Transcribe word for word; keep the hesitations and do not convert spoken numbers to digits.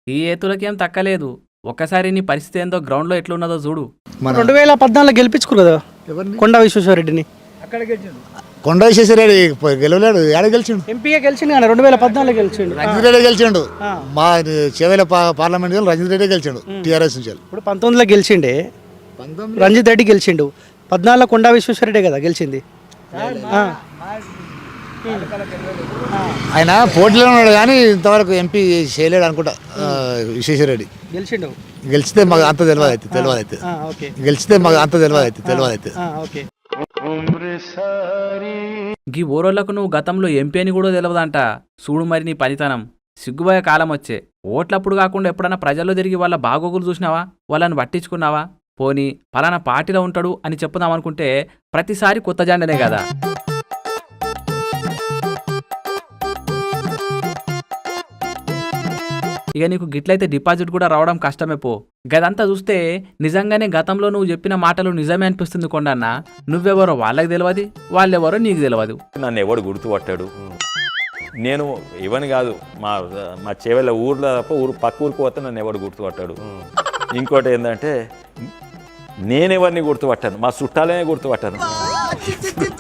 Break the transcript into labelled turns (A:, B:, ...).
A: ఈ ఏతులకేం తక్కలేదు. ఒక్కసారి నీ పరిస్థితి ఏందో గ్రౌండ్లో ఎట్లున్నదో చూడు.
B: రెండు వేల పద్నాలుగులో గెలిపించుకురు కదా కొండా విశ్వేశ్వరరెడ్డిని.
C: అక్కడ గెలిచిండు.
D: కొండ విశ్వేశ్వరరెడ్డి గెలవలేడు, ఏడ గెలిచిండు?
B: ఎంపీగా గెలిచిండు కానీ రెండు వేల పద్నాలుగులో గెలిచిండు.
D: రంజిత్ రెడ్డి గెలిచిండు. మా చేవేల పార్లమెంట్ రంజిత్ రెడ్డి గెలిచిండు టీఆర్ఎస్ నుంచి.
B: ఇప్పుడు పంతొమ్మిదిలో గెలిచిండే రంజిత్ రెడ్డి గెలిచిండు. పద్నాలుగులో కొండా విశ్వేశ్వరరెడ్డి కదా గెలిచింది.
D: ఆయన పోటీలో ఉన్నాడు కానీ ఇంతవరకు ఎంపీ చేయలేడు అనుకుంటా. విశ్వేశ్వరరెడ్డి
B: గెలిచిండు.
D: గెలిచితే మాకు అంత తెలియదు అయితే తెలియదు అయితే గెలిచితే మాకు అంత తెలియదు అయితే తెలియదు అయితే
A: గీ ఓరోళ్లకు నువ్వు గతంలో ఎంపీ అని కూడా తెలియదంట. చూడు మరి నీ పనితనం. సిగ్గుబోయే కాలం వచ్చే. ఓట్లప్పుడు కాకుండా ఎప్పుడన్నా ప్రజల్లో తిరిగి వాళ్ళ బాగోగులు చూసినావా? వాళ్ళని పట్టించుకున్నావా? పోనీ పలానా పార్టీలో ఉంటాడు అని చెప్పుదాం అనుకుంటే ప్రతిసారి కొత్త జెండనే కదా. ఇక నీకు గిట్లయితే డిపాజిట్ కూడా రావడం కష్టమే పో. గదంతా చూస్తే నిజంగానే గతంలో నువ్వు చెప్పిన మాటలు నిజమే అనిపిస్తుంది కొండన్న. నువ్వెవరో వాళ్ళకి తెలియదు, వాళ్ళెవరో నీకు తెలియదు.
E: నన్ను ఎవడు గుర్తుపట్టాడు? నేను ఇవని కాదు, మా మా చేవెళ్ళ ఊర్లో తప్ప ఊరు పక్క ఊరికి పోతే నన్ను ఎవడు గుర్తుపట్టాడు. ఇంకోటి ఏంటంటే నేనెవరిని గుర్తుపట్టాను, మా చుట్టాలనే గుర్తుపట్టాను.